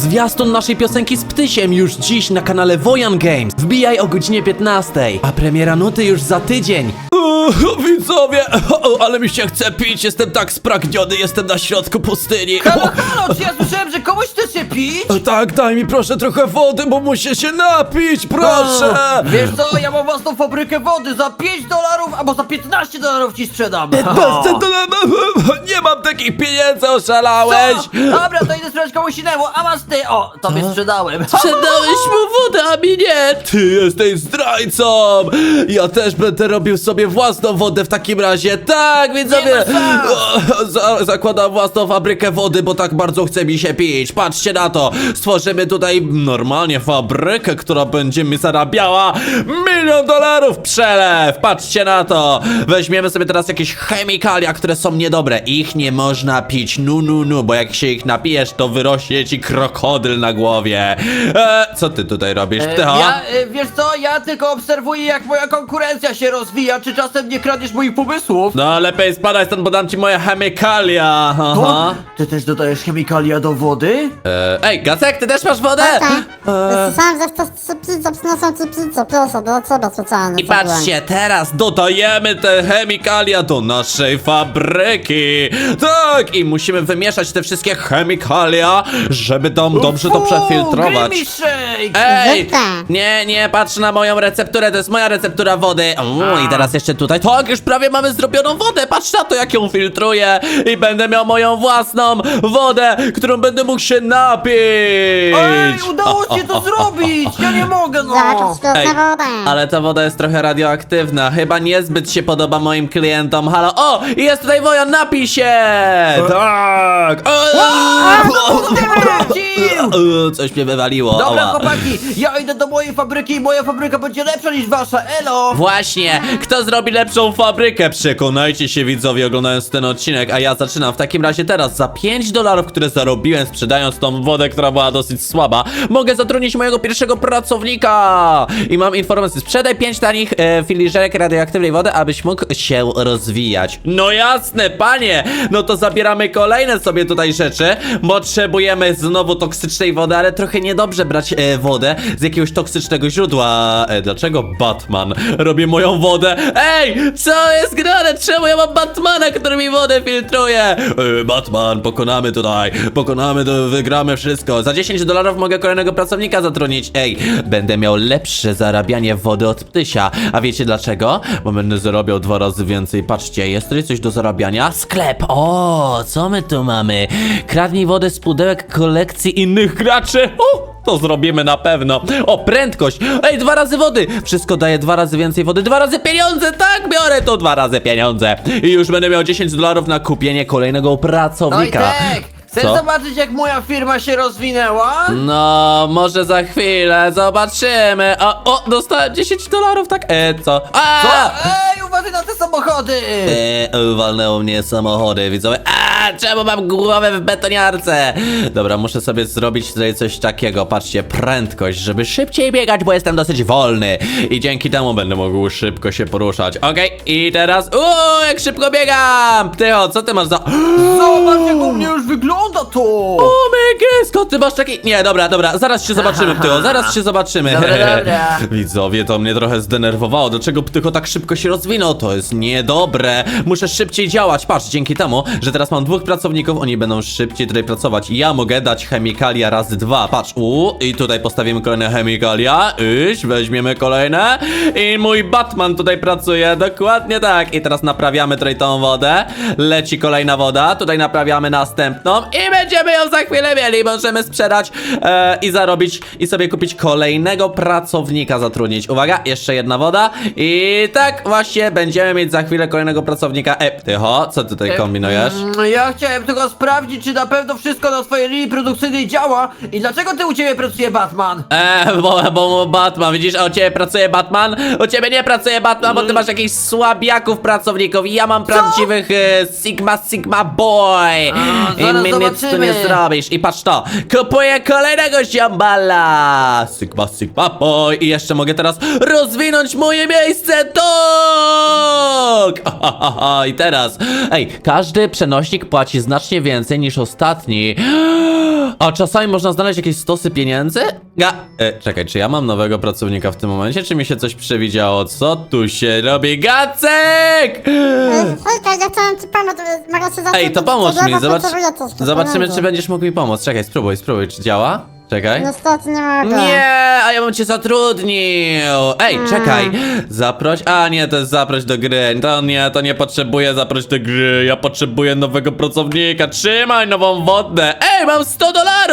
Zwiastun naszej piosenki z Ptysiem już dziś na kanale Wojan Games. Wbijaj o godzinie 15, a premiera nuty już za tydzień. Widzowie, ale mi się chce pić, jestem tak spragniony, jestem na środku pustyni. Halo, halo, czy ja słyszałem, że komuś chce się pić? Tak, daj mi proszę trochę wody, bo muszę się napić, proszę. Wiesz co, ja mam własną fabrykę wody, za $5 albo za $15 ci sprzedam. Nie mam takich pieniędzy, oszalałeś. Co? Dobra, to idę sprzedać komuś innemu, a masz ty, o, tobie sprzedałem. Sprzedałeś mu wodę, a mi nie! Ty jesteś zdrajcą! Ja też będę robił sobie własną wodę w takim razie. Tak, widzowie! Nie ma szans. Zakładam własną fabrykę wody, bo tak bardzo chce mi się pić. Patrzcie na to! Stworzymy tutaj normalnie fabrykę, która będzie mi zarabiała $1 000 000 przelew! Patrzcie na to! Weźmiemy sobie teraz jakieś chemikalia, które są niedobre. Ich nie można pić, bo jak się ich napijesz, to wyrośnie ci krokodyl na głowie. Co ty tutaj robisz, Ptycho? Wiesz co, ja tylko obserwuję, jak moja konkurencja się rozwija, czy czasem nie kradniesz moich pomysłów? No lepiej spadaj stąd, bo dam ci moje chemikalia. To? Ty też dodajesz chemikalia do wody? Ej, Gacek, ty też masz wodę? Słyszałem, że chcesz pizzę, przyniosą ci pizzę, proszę, do ciebie specjalnie. I patrzcie, teraz dodajemy te chemikalia do naszej fabryki. Tak, i musimy wymieszać te wszystkie chemikalia, żeby tam dobrze to przefiltrować. Creamy shake! Ej! Zwykle. Nie, patrz na moją recepturę, to jest moja receptura wody. I teraz jeszcze tutaj. Tak, już prawie mamy zrobioną wodę. Patrz na to, jak ją filtruję. I będę miał moją własną wodę, którą będę mógł się napić. Ej, udało się to zrobić! Ja nie mogę, no! Jaka świetna woda. Ale ta woda jest trochę radioaktywna. Chyba niezbyt się podoba moim klientom. Halo, o! Jest tutaj Wojan, napij się! Tak! Coś mnie wywaliło. Dobra, Oła. chłopaki, ja idę do mojej fabryki i moja fabryka będzie lepsza niż wasza, elo! Właśnie, kto zrobi lepszą fabrykę? Przekonajcie się, widzowie, oglądając ten odcinek, a ja zaczynam w takim razie teraz. Za $5, które zarobiłem sprzedając tą wodę, która była dosyć słaba, mogę zatrudnić mojego pierwszego pracownika. I mam informację, sprzedaj 5 tanich filiżerek radioaktywnej wody, abyś mógł się rozwijać. No jasne, panie! No to zabieramy kolejne sobie tutaj rzeczy. Potrzebujemy znowu toksycznej wody, ale trochę niedobrze brać wodę z jakiegoś toksycznego źródła. Dlaczego Batman robi moją wodę? Ej, co jest grane? Czemu ja mam Batmana, który mi wodę filtruje? Batman, pokonamy tutaj, wygramy wszystko. Za $10 mogę kolejnego pracownika zatrudnić. Ej, będę miał lepsze zarabianie wody od Ptysia. A wiecie dlaczego? Bo będę zarabiał 2 razy więcej. Patrzcie, jest tutaj coś do zarabiania? Sklep, o, co my tu mamy? Kradnij wodę z pudełek kolekcji innych graczy. To zrobimy na pewno. O, prędkość. Ej, 2 razy wody. Wszystko daje 2 razy więcej wody. 2 razy pieniądze. Tak, biorę to 2 razy pieniądze. I już będę miał $10 na kupienie kolejnego pracownika. Wojtek, chcesz Co? zobaczyć, jak moja firma się rozwinęła? No, może za chwilę. Zobaczymy. O, dostałem $10, tak? Co? Co? Ej, uważaj na te samochody! Walnęło mnie samochody, widzowie. Czemu mam głowę w betoniarce? Dobra, muszę sobie zrobić tutaj coś takiego. Patrzcie, prędkość, żeby szybciej biegać, bo jestem dosyć wolny. I dzięki temu będę mógł szybko się poruszać. Okej, i teraz... jak szybko biegam! Ptycho, co ty masz za... Zobacz, jak u mnie już wygląda to! O my skąd ty masz taki... Nie, dobra, zaraz się zobaczymy, Ptycho, zaraz się zobaczymy. Dobra. Widzowie, to mnie trochę zdenerwowało. Dlaczego Ptycho tak szybko się rozwinął? To jest niedobre. Muszę szybciej działać. Patrz, dzięki temu, że teraz mam 2 pracowników, oni będą szybciej tutaj pracować. Ja mogę dać chemikalia razy 2. Patrz, i tutaj postawimy kolejne chemikalia. Weźmiemy kolejne. I mój Batman tutaj pracuje, dokładnie tak. I teraz naprawiamy tutaj tą wodę. Leci kolejna woda, tutaj naprawiamy następną. I będziemy ją za chwilę mieli. Możemy sprzedać i zarobić i sobie kupić kolejnego pracownika zatrudnić. Uwaga, jeszcze jedna woda. I tak właśnie będziemy mieć za chwilę kolejnego pracownika. Ptycho, co ty tutaj kombinujesz? Ja chciałem tylko sprawdzić, czy na pewno wszystko na swojej linii produkcyjnej działa i dlaczego ty u ciebie pracuje Batman? Bo Batman, widzisz, a u ciebie pracuje Batman? U ciebie nie pracuje Batman, bo ty masz jakichś słabiaków pracowników i ja mam prawdziwych Sigma Boy. Zaraz nic tu nie zobaczymy. zrobisz. I patrz to, kupuję kolejnego ziambala. Sigma, sigma, boy. I jeszcze mogę teraz rozwinąć moje miejsce. Tak! I teraz, ej, każdy przenośnik płaci znacznie więcej niż ostatni. A czasami można znaleźć jakieś stosy pieniędzy? Czekaj, czy ja mam nowego pracownika w tym momencie, czy mi się coś przewidziało? Co tu się robi? Gacek! Hejka, ja chciałem ci pomóc, mogę się zacząć. Ej, to pomóż mi, zobaczymy, pieniądze. czy będziesz mógł mi pomóc. Czekaj, spróbuj, czy działa? Czekaj. Niestety nie mogę. Nie, a ja bym cię zatrudnił. Ej, czekaj. Zaproś. A nie, to jest zaproś do gry. To nie potrzebuję zaproś do gry. Ja potrzebuję nowego pracownika. Trzymaj nową wodę. Ej, mam $100.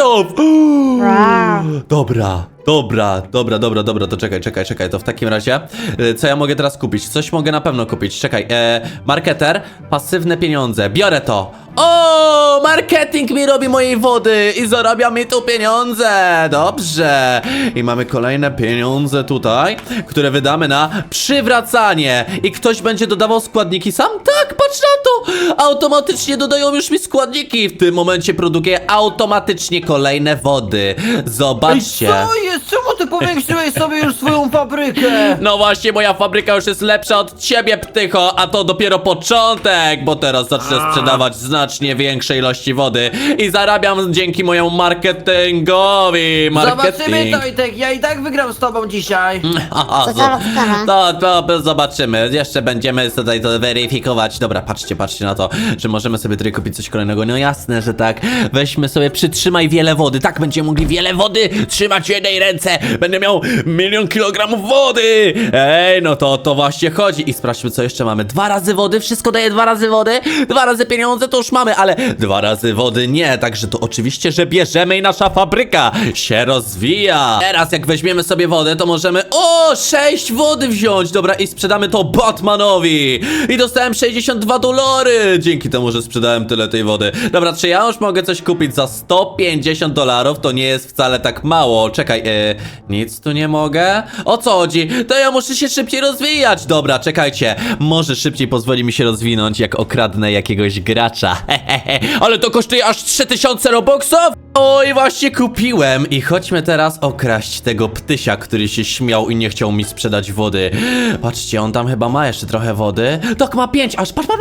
Wow. Dobra, to czekaj, to w takim razie, co ja mogę teraz kupić? Coś mogę na pewno kupić, czekaj, marketer, pasywne pieniądze, biorę to. O, marketing mi robi mojej wody i zarabia mi tu pieniądze, dobrze. I mamy kolejne pieniądze tutaj, które wydamy na przywracanie. I ktoś będzie dodawał składniki sam? Tak, patrz na to, automatycznie dodają już mi składniki. W tym momencie produkuję automatycznie kolejne wody, zobaczcie. Co jest? Czemu ty powiększyłeś sobie już swoją fabrykę? No właśnie, moja fabryka już jest lepsza od ciebie, ptycho, a to dopiero początek, bo teraz zacznę sprzedawać znacznie większe ilości wody i zarabiam dzięki mojemu marketingowi. Zobaczymy, Tojtek, ja i tak wygram z tobą dzisiaj. Ciekawe. To zobaczymy, jeszcze będziemy tutaj to weryfikować. Dobra, patrzcie na to, że możemy sobie tutaj kupić coś kolejnego. No jasne, że tak. Weźmy sobie, przytrzymaj wiele wody. Tak, będziemy mogli wiele wody trzymać w jednej ręce. Będę miał 1 000 000 kilogramów wody. Ej, no to o to właśnie chodzi. I sprawdźmy, co jeszcze mamy. 2 razy wody, wszystko daje 2 razy wody. 2 razy pieniądze to już mamy, ale 2 razy wody nie. Także to oczywiście, że bierzemy i nasza fabryka się rozwija. Teraz jak weźmiemy sobie wodę, to możemy 6 wody wziąć. Dobra, i sprzedamy to Batmanowi. I dostałem $62. Dzięki temu, że sprzedałem tyle tej wody. Dobra, czy ja już mogę coś kupić za $150? To nie jest wcale tak mało. Czekaj, nic tu nie mogę? O co chodzi? To ja muszę się szybciej rozwijać. Dobra, czekajcie. Może szybciej pozwoli mi się rozwinąć, jak okradnę jakiegoś gracza. Ale to kosztuje aż 3000 robuxów? Oj, właśnie kupiłem. I chodźmy teraz okraść tego ptysia, który się śmiał i nie chciał mi sprzedać wody. Patrzcie, on tam chyba ma jeszcze trochę wody. Tak, ma 5, aż patrz.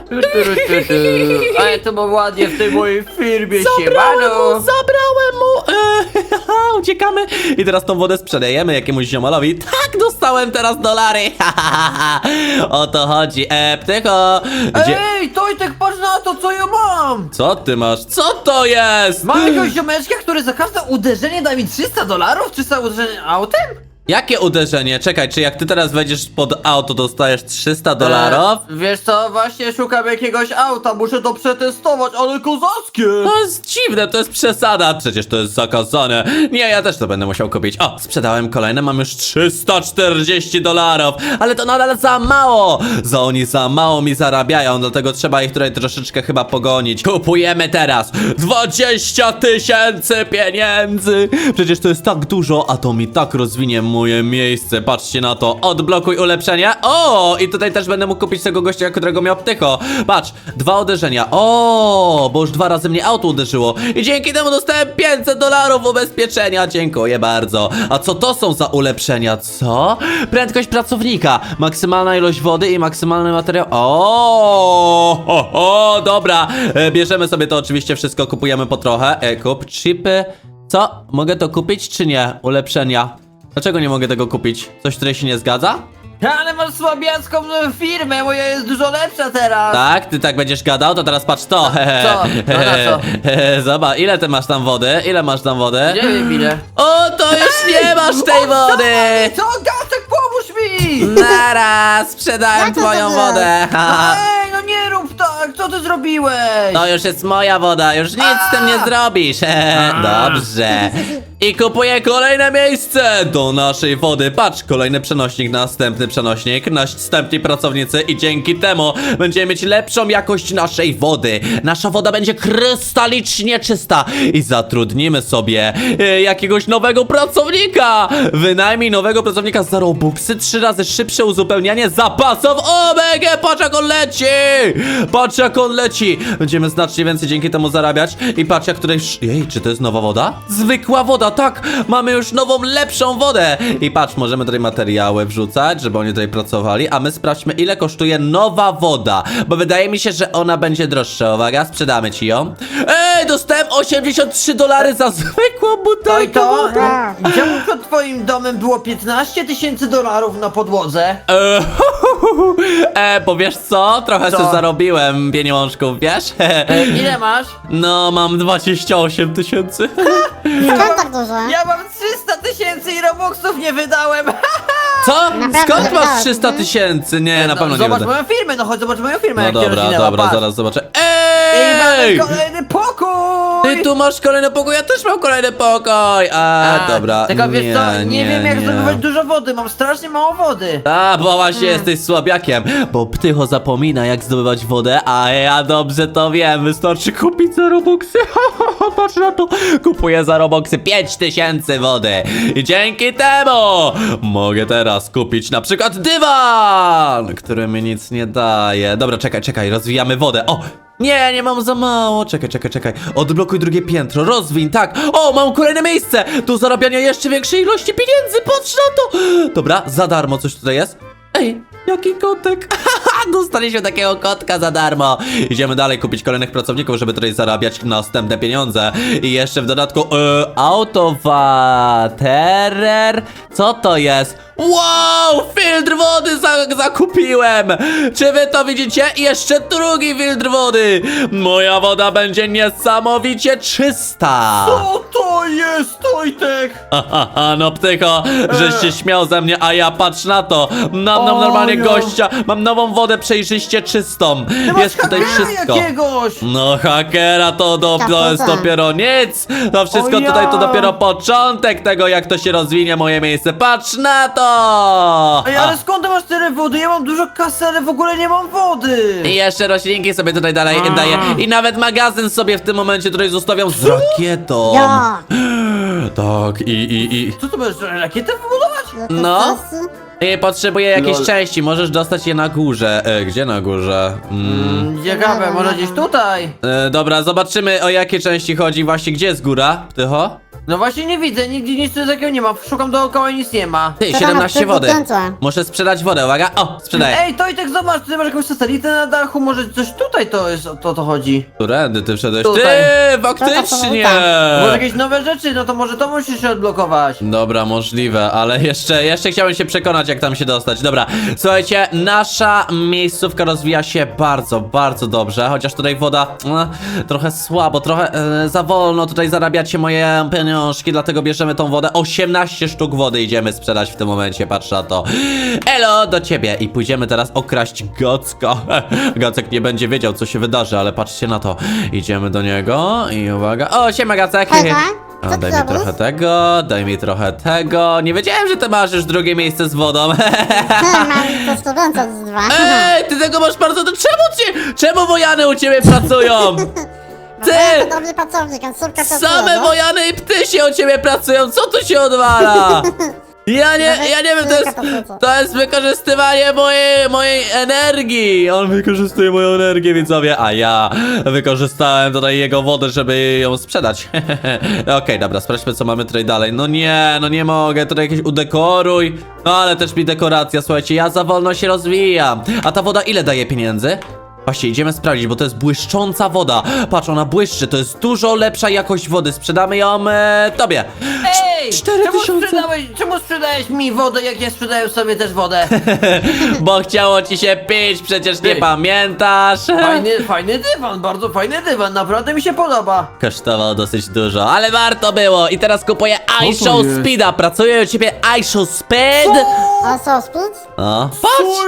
Ale to było ładnie w tej mojej firmie, siemano. Zabrałem mu. Uciekamy. I teraz tą wodę sprzedajemy jakiemuś ziomalowi. Tak, dostałem teraz dolary. O to chodzi. Ptycho. Ej, Tojtek, patrz na to, co ja mam. Co ty masz? Co to jest? Mam jakiegoś ziomeczka, który za każde uderzenie da mi $300? 300 uderzenie autem? Jakie uderzenie? Czekaj, czy jak ty teraz wejdziesz pod auto, dostajesz $300? Wiesz co, właśnie szukam jakiegoś auta, muszę to przetestować, ale kozackie! To jest dziwne, to jest przesada. Przecież to jest zakazane. Nie, ja też to będę musiał kupić. O, sprzedałem kolejne, mam już $340. Ale to nadal za mało. Oni za mało mi zarabiają, dlatego trzeba ich tutaj troszeczkę chyba pogonić. Kupujemy teraz 20 000 pieniędzy. Przecież to jest tak dużo, a to mi tak rozwinie moje miejsce. Patrzcie na to. Odblokuj ulepszenie. O, i tutaj też będę mógł kupić tego gościa, którego miał ptycho. Patrz, 2 uderzenia. O, bo już 2 razy mnie auto uderzyło. I dzięki temu dostałem $500 ubezpieczenia. Dziękuję bardzo. A co to są za ulepszenia? Co? Prędkość pracownika. Maksymalna ilość wody i maksymalny materiał. Dobra. Bierzemy sobie to oczywiście wszystko. Kupujemy po trochę. Kup chipy. Co? Mogę to kupić czy nie? Ulepszenia. Dlaczego nie mogę tego kupić? Coś tutaj się nie zgadza? Ale masz słabiacką firmę, moja jest dużo lepsza teraz! Tak? Ty tak będziesz gadał? To teraz patrz to! Co? No na co? Zobacz, ile ty masz tam wody? Ile masz tam wody? Nie wiem ile. O, to już nie masz tej wody! Co? Gacek, pomóż mi! Naraz! Sprzedałem Jak to twoją zrobiłeś? wodę! Ej, no nie rób tak, co ty zrobiłeś? To już jest moja woda, już nic z tym nie zrobisz! Dobrze. I kupuję kolejne miejsce do naszej wody. Patrz, kolejny przenośnik, następny przenośnik, następni pracownicy i dzięki temu będziemy mieć lepszą jakość naszej wody. Nasza woda będzie krystalicznie czysta i zatrudnimy sobie jakiegoś nowego pracownika. Wynajmij nowego pracownika za Robuxy, 3 razy szybsze uzupełnianie zapasów. Omega, patrz jak on leci! Patrz jak on leci! Będziemy znacznie więcej dzięki temu zarabiać. I patrz jak tutaj... Jej, czy to jest nowa woda? Zwykła woda, tak! Mamy już nową, lepszą wodę! I patrz, możemy tutaj materiały wrzucać, żeby oni tutaj pracowali, a my sprawdźmy, ile kosztuje nowa woda, bo wydaje mi się, że ona będzie droższa. Uwaga, sprzedamy ci ją. Ej, dostałem $83 za zwykłą To i butelkę to? wody. Czemu przed twoim domem było $15,000 na podłodze? Bo wiesz co? Trochę Co? sobie zarobiłem pieniążków, wiesz? Ile masz? No, mam 28 tysięcy. Skąd tak dużo? Ja mam 300 000 i Robuxów nie wydałem! Co? Naprawdę Skąd masz wydałeś, 300 nie? tysięcy? Nie, na pewno nie Zobacz będę. moją firmę, no chodź zobacz moją firmę, No jak się dobra, rozwinęła, dobra, patrz. zaraz zobaczę. I mamy Ej! kolejny pokój! Ty tu masz kolejny pokój, ja też mam kolejny pokój! Dobra. Tylko wiesz co, nie wiem jak zdobywać dużo wody, mam strasznie mało wody. A, bo właśnie jesteś słabiakiem, bo Ptycho zapomina jak zdobywać wodę, a ja dobrze to wiem, wystarczy kupić za Robuxy. Patrz na to, kupuję za Robuxy 5000 wody i dzięki temu mogę teraz kupić na przykład dywan, który mi nic nie daje. Dobra, czekaj, rozwijamy wodę. O! Nie mam za mało. Czekaj. Odblokuj drugie piętro, rozwiń, tak. O, mam kolejne miejsce do zarabiania jeszcze większej ilości pieniędzy. Patrz na to. Dobra, za darmo coś tutaj jest. Ej, jaki kotek. Dostaliśmy takiego kotka za darmo. Idziemy dalej kupić kolejnych pracowników, żeby tutaj zarabiać następne pieniądze. I jeszcze w dodatku autowaterer. Co to jest? Wow, filtr wody zakupiłem. Czy wy to widzicie? I jeszcze drugi filtr wody. Moja woda będzie niesamowicie czysta. Co to jest, Tojtek? No Ptycho, żeś się śmiał ze mnie, a ja patrz na to. Mam normalnie ja. gościa. Mam nową wodę przejrzyście czystą. Ty Jest masz tutaj hakera wszystko. jakiegoś! No hakera to jest Kapuza. dopiero nic. To wszystko O ja. tutaj to dopiero początek tego, jak to się rozwinie moje miejsce. Patrz na to. Ej, ale skąd ty masz tyle wody? Ja mam dużo kasy, ale w ogóle nie mam wody! I jeszcze roślinki sobie tutaj dalej daję. I nawet magazyn sobie w tym momencie tutaj zostawiam z rakietą. Ja. Tak, i Co tu będziesz rakietę wybudować? No. I potrzebuję jakiejś Lol. części, możesz dostać je na górze. Gdzie na górze? Ciekawe, może gdzieś tutaj? Dobra, zobaczymy o jakie części chodzi. Właśnie, gdzie jest góra, Ptycho? No właśnie nie widzę, nigdzie nic takiego nie ma. Szukam dookoła i nic nie ma. Ty, Czekam, 17 aż wody. wykręcę. Muszę sprzedać wodę, uwaga. O, sprzedaję. Ej, Tojtek, zobacz, ty masz jakąś satelitę na dachu, może coś tutaj to jest, o to chodzi. Którędy ty wszedłeś? Tutaj. Ty, faktycznie! Może jakieś nowe rzeczy, no to może to musisz się odblokować. Dobra, możliwe, ale jeszcze chciałem się przekonać, jak tam się dostać. Dobra, słuchajcie, nasza miejscówka rozwija się bardzo, bardzo dobrze, chociaż tutaj woda trochę słabo, trochę za wolno tutaj zarabiacie moje pieniążki, dlatego bierzemy tą wodę. 18 sztuk wody idziemy sprzedać w tym momencie, patrz na to. Elo, do ciebie i pójdziemy teraz okraść Gocka. Gacek nie będzie wiedział, co się wydarzy, ale patrzcie na to. Idziemy do niego i uwaga. O, siema Gacek. Hejka, co ty Daj mi robisz? trochę tego, daj mi trochę tego. Nie wiedziałem, że ty masz już drugie miejsce z wodą. Mam to studenca z dwa. Ej, ty tego masz bardzo... Czemu wojany u ciebie pracują? Ty! To dobry pracownik, on szybko pracuje, Same no. wojany i pty się u ciebie pracują, co tu się odwala? Ja nie wiem, to jest wykorzystywanie mojej energii. On wykorzystuje moją energię, widzowie, a ja wykorzystałem tutaj jego wodę, żeby ją sprzedać. Okej, dobra, sprawdźmy, co mamy tutaj dalej. No nie mogę, tutaj jakieś udekoruj. No ale też mi dekoracja, słuchajcie, ja za wolno się rozwijam. A ta woda ile daje pieniędzy? Właśnie, idziemy sprawdzić, bo to jest błyszcząca woda. Patrz, ona błyszczy, to jest dużo lepsza jakość wody. Sprzedamy ją tobie. Ej! 4000. Czemu sprzedałeś mi wodę, jak ja sprzedaję sobie też wodę? Bo chciało ci się pić, przecież nie Ej. pamiętasz. Fajny dywan, bardzo fajny dywan, naprawdę mi się podoba. Kosztowało dosyć dużo, ale warto było. I teraz kupuję to iShow jest? Speeda. Pracuje u ciebie iShow Speed? A co, spić? No, patrz!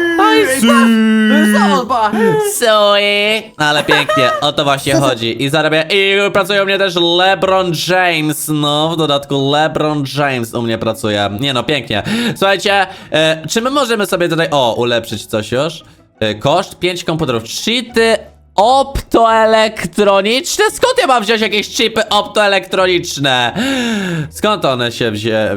Zobacz! Sorry. Ale pięknie, o to właśnie chodzi. I zarabia. I pracuje u mnie też LeBron James. No, w dodatku LeBron James u mnie pracuje. Nie no, pięknie. Słuchajcie, czy my możemy sobie tutaj, ulepszyć coś już? Koszt 5 komputerów. Cheaty optoelektroniczne? Skąd ja mam wziąć jakieś chipy optoelektroniczne? Skąd one się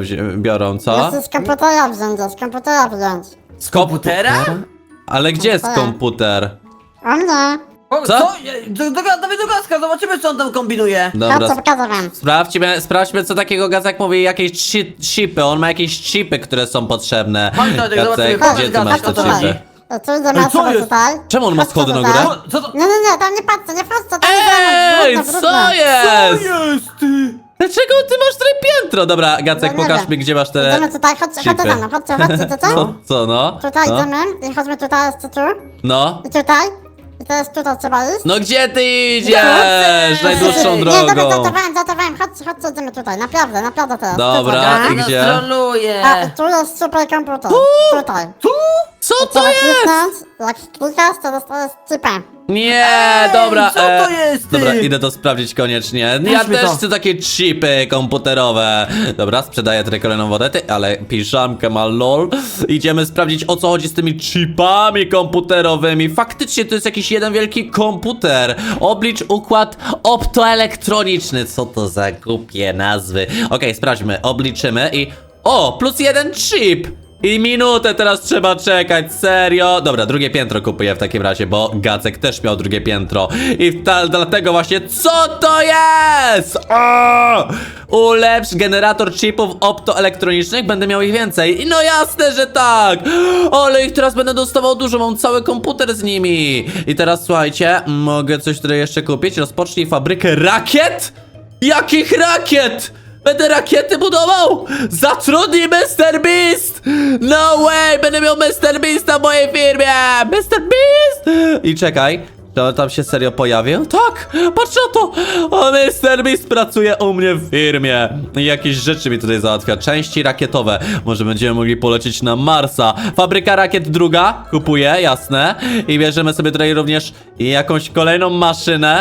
biorą, co? Musisz z komputera wziąć, z komputera wziąć. Z komputera? Ale gdzie jest Komputera. komputer? O mnie. Co? Dawaj do Gacka, zobaczymy co on tam kombinuje. Chodźcie, pokażę wam. Sprawdźmy co takiego Gacek mówi, jakieś chipy, on ma jakieś chipy, które są potrzebne. Chodź, Tadek, Gacek, zobaczymy, gdzie chodź, ty Gacek, masz co te to chipy? Tu idziemy co sobie jest? tutaj. Czemu on ma schody na Chodźcie górę? tutaj. Co to? Nie, tam nie patrzcie, nie patrzcie, tam Ej, jest brudno, co brudno. jest? jest ty? Dlaczego ty masz tutaj piętro? Dobra, Gacek, No nie pokaż wiem. mi, gdzie masz te Idziemy tutaj, chodźcie chipy. za mną, chodźcie, to co? Co, no? Tutaj No, idziemy i chodźmy tutaj, jeszcze tu. no. I tutaj. I teraz tutaj trzeba iść. No gdzie ty idziesz? Najdłuższą Nie, dobra, drogą. zatowałem, chodźcie, idziemy tutaj, naprawdę teraz. Dobra, Tutaj. i Nas gdzie? troluje. A, tu jest super komputer. Tutaj. Co to Trzeba jest? kliknąć, jak klikasz, to dostajesz chipę. Nie, Ej, dobra. co to jest, ty? Dobra, idę to sprawdzić koniecznie. Ja Weźmy też to. chcę takie chipy komputerowe. Dobra, sprzedaję tutaj kolejną wodę, ale piżamkę ma lol. Idziemy sprawdzić, o co chodzi z tymi chipami komputerowymi. Faktycznie to jest jakiś jeden wielki komputer. Oblicz układ optoelektroniczny. Co to za głupie nazwy? Okej, sprawdźmy, obliczymy i... O, plus jeden chip! I minutę teraz trzeba czekać, serio? Dobra, drugie piętro kupuję w takim razie, bo Gacek też miał drugie piętro. I dlatego właśnie, co to jest? O! Ulepsz generator chipów optoelektronicznych, będę miał ich więcej. No jasne, że tak! Ale ich teraz będę dostawał dużo, mam cały komputer z nimi. I teraz słuchajcie, mogę coś tutaj jeszcze kupić. Rozpocznij fabrykę rakiet? Jakich rakiet? Będę rakiety budował! Zatrudnij Mr. Beast! No way! Będę miał Mr. Beasta w mojej firmie! Mr. Beast! I czekaj, czy on tam się serio pojawił? Tak! Patrz na to! O, Mr. Beast pracuje u mnie w firmie. I jakieś rzeczy mi tutaj załatwia. Części rakietowe. Może będziemy mogli polecieć na Marsa. Fabryka rakiet druga. Kupuję, jasne. I bierzemy sobie tutaj również jakąś kolejną maszynę.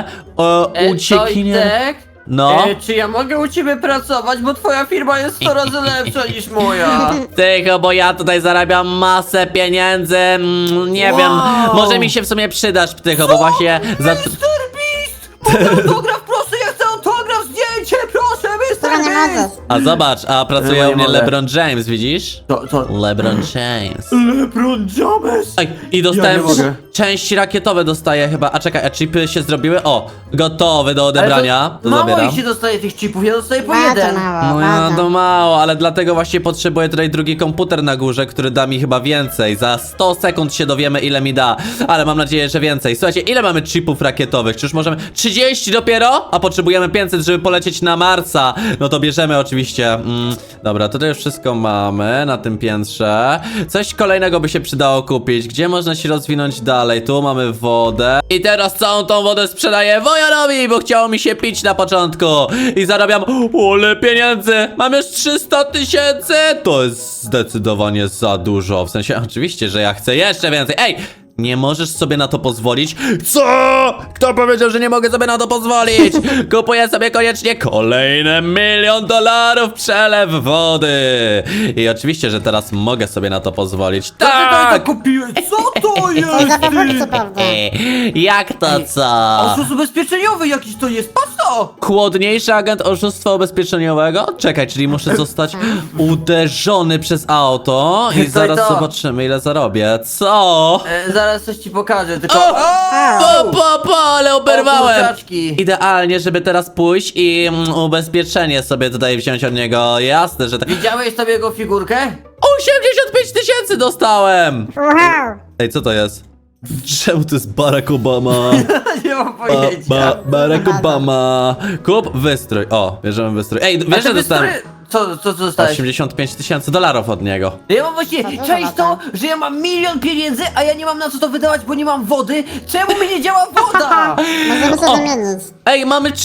Ucieknie. Tojtek? No. Czy ja mogę u ciebie pracować, bo twoja firma jest 100 razy lepsza niż moja. Tycho, bo ja tutaj zarabiam masę pieniędzy. Nie Wow. wiem, może mi się w sumie przydasz, Tycho, bo właśnie za... Mr. Beast! Mogę autograf, proszę, ja chcę autograf, zdjęcie, proszę, Która Mr. nie Beast! możesz. A zobacz, a pracuje Nie u mnie mogę. LeBron James, widzisz? Co? LeBron James. LeBron James! Oj, i dostałem Ja nie mogę. części rakietowe dostaję chyba. A czekaj, a chipy się zrobiły? O, gotowy do odebrania. To mało zabieram. ich się dostaje tych chipów, ja dostaję po Bardzo jeden. mało, No ja bardzo. to mało, ale dlatego właśnie potrzebuję tutaj drugi komputer na górze, który da mi chyba więcej. Za 100 sekund się dowiemy, ile mi da, ale mam nadzieję, że więcej. Słuchajcie, ile mamy chipów rakietowych? Czy już możemy... 30 dopiero? A potrzebujemy 500, żeby polecieć na Marsa. No to bierzemy oczywiście. Dobra, tutaj już wszystko mamy na tym piętrze. Coś kolejnego by się przydało kupić. Gdzie można się rozwinąć dalej? Tu mamy wodę. I teraz całą tą wodę sprzedaję Wojanowi, bo chciało mi się pić na początku. I zarabiam ole pieniędzy. Mam już 300 tysięcy. To jest zdecydowanie za dużo. W sensie, oczywiście, że ja chcę jeszcze więcej. Ej! Nie możesz sobie na to pozwolić. Co? Kto powiedział, że nie mogę sobie na to pozwolić? Kupuję sobie koniecznie kolejne $1 milion przelew wody. I oczywiście, że teraz mogę sobie na to pozwolić. Co ty Tak! to kupiłeś? Co to To jest? za fakty, prawda? Jak to co? Oszust ubezpieczeniowy jakiś to jest, patrz to! Chłodniejszy agent oszustwa ubezpieczeniowego? Czekaj, czyli muszę zostać uderzony przez auto i To zaraz i to. zobaczymy, ile zarobię. Co? Zaraz coś ci pokażę, tylko... O! Ale oberwałem! O, kurczaczki. Idealnie, żeby teraz pójść i ubezpieczenie sobie tutaj wziąć od niego. Jasne, że tak. Widziałeś sobie jego figurkę? 85 tysięcy dostałem! Wow. Ej, co to jest? Czemu to jest Barack Obama? Nie mam pojęcia. Barack Obama. Kup wystrój. O, bierzemy wystrój. Ej, A wiesz, że ty dostałem Co dostałeś? 85 tysięcy dolarów od niego. Ja mam właśnie, dużo cześć to, lata. że ja mam 1 milion pieniędzy, a ja nie mam na co to wydawać, bo nie mam wody. Czemu mi nie działa woda? Możemy O. się wymienić. Ej, mamy 3.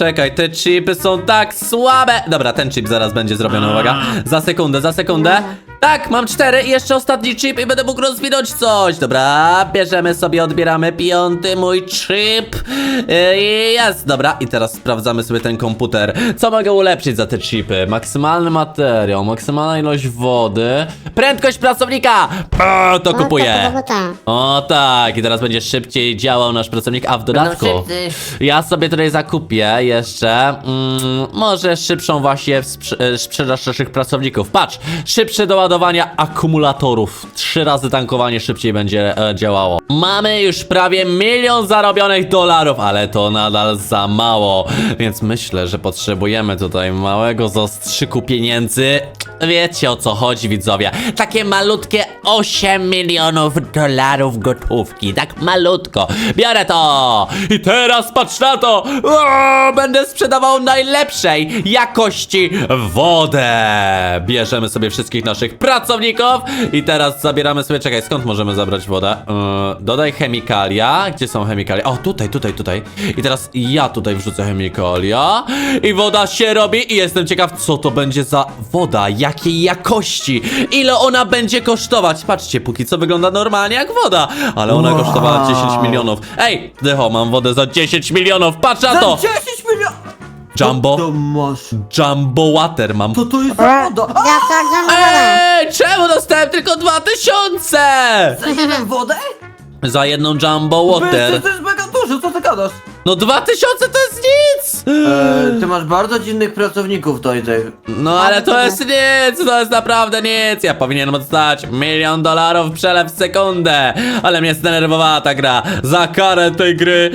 Czekaj, te chipy są tak słabe. Dobra, ten chip zaraz będzie zrobiony, uwaga. Za sekundę, za sekundę. Tak, mam 4 i jeszcze ostatni chip i będę mógł rozwinąć coś. Dobra, bierzemy sobie, odbieramy 5. mój chip. Jest, dobra. I teraz sprawdzamy sobie ten komputer. Co mogę ulepszyć za te chipy? Maksymalny materiał, maksymalna ilość wody. Prędkość pracownika! To kupuję. O tak, i teraz będzie szybciej działał nasz pracownik, a w dodatku ja sobie tutaj zakupię jeszcze może szybszą właśnie sprzedaż naszych pracowników. Patrz, szybsze doładowania akumulatorów. 3 razy tankowanie szybciej będzie działało. Mamy już prawie 1 milion zarobionych dolarów, ale to nadal za mało, więc myślę, że potrzebujemy tutaj małego zastrzyku pieniędzy. Wiecie, o co chodzi, widzowie. Takie malutkie 8 milionów dolarów gotówki. Tak malutko. Biorę to. I teraz patrz na to. Będę sprzedawał najlepszej jakości wodę. Bierzemy sobie wszystkich naszych pracowników i teraz zabieramy sobie... Czekaj, skąd możemy zabrać wodę? Dodaj chemikalia. Gdzie są chemikalia? O, tutaj. I teraz ja tutaj wrzucę chemikalia i woda się robi i jestem ciekaw, co to będzie za woda. Jakiej jakości? Ile ona będzie kosztować? Patrzcie, póki co wygląda normalnie jak woda, ale ona kosztowała 10 milionów. Ej, Dycho, mam wodę za 10 milionów, patrz na to! Za 10 milionów! Jumbo, To masz. Jumbo Water mam. Co to jest za woda? A, Ja tak, Ej, czemu dostałem tylko 2000? za ile wodę? Za jedną Jumbo Water. To jest mega dużo, co ty gadasz? No 2000 to jest nic! Ty masz bardzo dziwnych pracowników, Tojtek. No ale to jest nic, to jest naprawdę nic. Ja powinienem dostać 1 milion dolarów przelew w sekundę. Ale mnie zdenerwowała ta gra. Za karę tej gry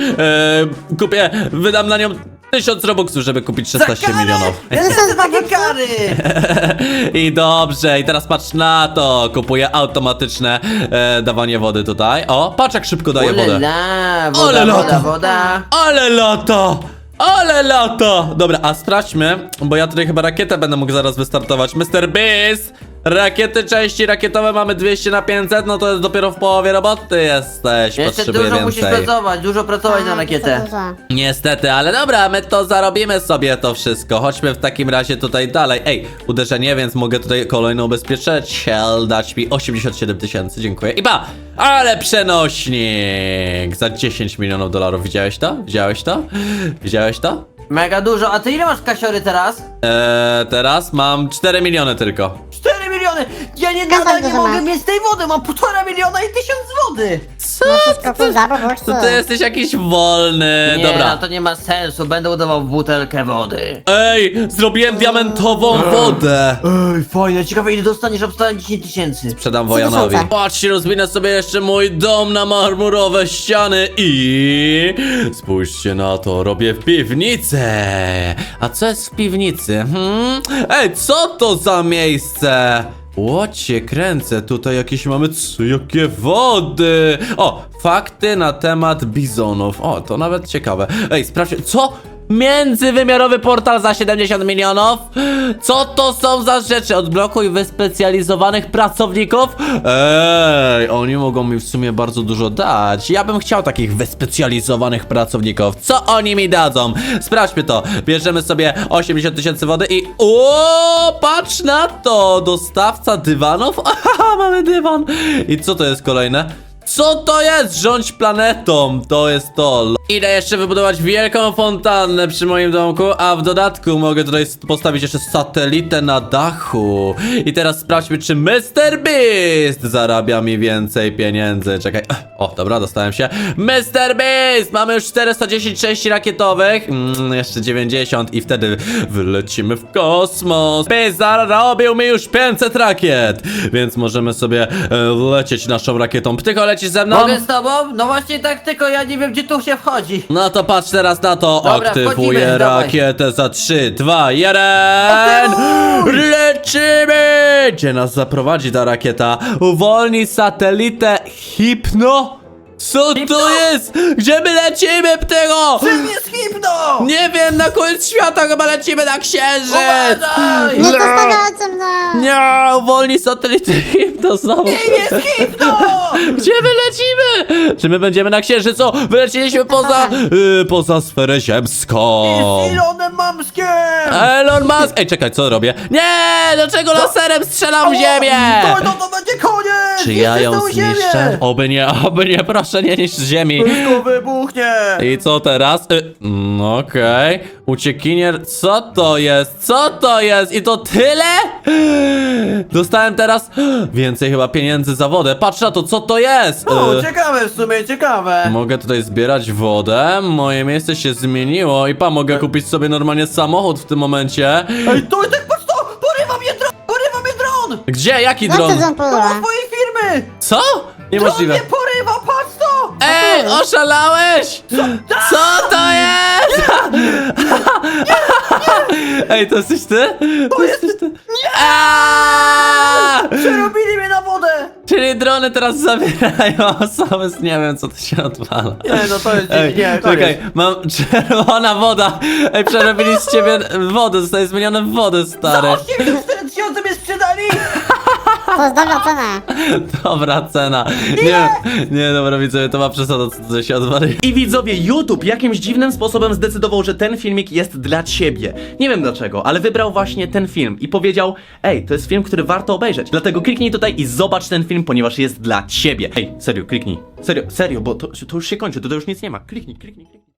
wydam na nią 1000 robuxów, żeby kupić 16 milionów. Ja nie chcę takie kary! I dobrze, i teraz patrz na to. Kupuję automatyczne dawanie wody tutaj. O, patrz jak szybko daje wodę. Ulala, Ale lata. woda. Ale lata! Ale lata! Dobra, a sprawdźmy, bo ja tutaj chyba rakietę będę mógł zaraz wystartować. Mr. Beast! Rakiety, części rakietowe mamy 200 na 500, no to jest dopiero w połowie roboty jesteś. Jeszcze Potrzebuję dużo musisz więcej. pracować, dużo pracować na rakietę. Niestety, ale dobra, my to zarobimy sobie to wszystko. Chodźmy w takim razie tutaj dalej. Ej, uderzenie, więc mogę tutaj kolejną ubezpieczyciel dać mi 87 tysięcy, dziękuję. I ba! Ale przenośnik! Za 10 milionów dolarów. Widziałeś to? Widziałeś to? Widziałeś to? Mega dużo, a ty ile masz kasiory teraz? Teraz mam 4 miliony tylko. 4 miliony! Ja Nadal nie dużo mogę masz. mieć tej wody, mam 1,5 miliona i 1000 wody! Co? Wszystko tu zarobisz. To ty jesteś jakiś wolny. Nie, Dobra. no to nie ma sensu, będę udawał butelkę wody. Ej, zrobiłem diamentową wodę. Ej, fajnie, ciekawe ile dostaniesz, obstałem 10 tysięcy. Sprzedam Wojanowi. tysiące. Patrzcie, rozwinę sobie jeszcze mój dom na marmurowe ściany i... Spójrzcie na to, robię w piwnicę. A co jest w piwnicy? Ej, co to za miejsce? Łocie, kręcę, tutaj jakieś mamy, jakie wody. O, fakty na temat bizonów. O, to nawet ciekawe. Ej, sprawdźcie, co? Międzywymiarowy portal za 70 milionów? Co to są za rzeczy? Odblokuj wyspecjalizowanych pracowników? Ej, oni mogą mi w sumie bardzo dużo dać. Ja bym chciał takich wyspecjalizowanych pracowników. Co oni mi dadzą? Sprawdźmy to. Bierzemy sobie 80 tysięcy wody i... O, patrz na to! Dostawca dywanów? Aha, mamy dywan. I co to jest kolejne? Co to jest? Rządź planetą. To jest to. Idę jeszcze wybudować wielką fontannę przy moim domku, a w dodatku mogę tutaj postawić jeszcze satelitę na dachu. I teraz sprawdźmy, czy Mr. Beast zarabia mi więcej pieniędzy. Czekaj. O, dobra, dostałem się. Mr. Beast! Mamy już 410 części rakietowych. Jeszcze 90 i wtedy wylecimy w kosmos. Beast zarobił mi już 500 rakiet. Więc możemy sobie lecieć naszą rakietą. Ptyko, lecisz ze mną? Mogę z tobą? No właśnie tak, tylko ja nie wiem gdzie tu się wchodzi. No to patrz teraz na to. Dobra, Aktywuję wchodzimy, dawaj. rakietę za 3, 2, 1. Lecimy! Gdzie nas zaprowadzi ta rakieta? Uwolnij satelitę Hypno? Co to jest? Gdzie my lecimy, Ptygo? Czym jest hipno? Nie wiem, na koniec świata chyba lecimy na księżyc! Uważaj! Nie zostawiajcie mnie! Nie, uwolnij satelitę Hypno znowu. Czym jest hipno? Gdzie my lecimy? Czy my będziemy na Księżycu? Wyleciliśmy poza sferę ziemską. Z Elonem Mamskiem! Elon Musk! Ej, czekaj, co robię? Nie! Dlaczego laserem strzelam w ziemię? To będzie koniec! Czy ja ją Niszczysz tę ziemię! zniszczę? Oby nie, proszę nie niszcz ziemi. Wszystko wybuchnie! I co teraz? Okej. Uciekinier, co to jest? Co to jest? I to tyle? Dostałem teraz więcej chyba pieniędzy za wodę. Patrz na to, co to jest? O, ciekawe w sumie, ciekawe! Mogę tutaj zbierać wodę. Moje miejsce się zmieniło i mogę kupić sobie normalnie samochód w tym momencie. Ej, to tak patrz to! Porywa mnie dron! Gdzie? Jaki Jak to dron? dron To porywa? od twojej firmy! Co? Dron Niemożliwe. mnie porywa, patrz to! Ej, oszalałeś! Co to jest? Ej, to jesteś ty? To jesteś ty? Nie! Przerobili mnie na wodę! Czyli drony teraz zabierają osoby, nie wiem co to się odwala. Nie, no to jest... Ej, nie, czekaj, mam czerwona woda. Ej, przerobili z ciebie wodę, zostaje zmienione w wodę, stary. 84 tysiące mnie sprzedali! To jest dobra cena. Dobra cena. Nie, dobra widzowie, to ma przesadę, co się odwali. I widzowie, YouTube jakimś dziwnym sposobem zdecydował, że ten filmik jest dla ciebie. Nie wiem dlaczego, ale wybrał właśnie ten film i powiedział: ej, to jest film, który warto obejrzeć. Dlatego kliknij tutaj i zobacz ten film, ponieważ jest dla ciebie. Ej, serio, kliknij. Serio, bo to już się kończy, to już nic nie ma. Kliknij.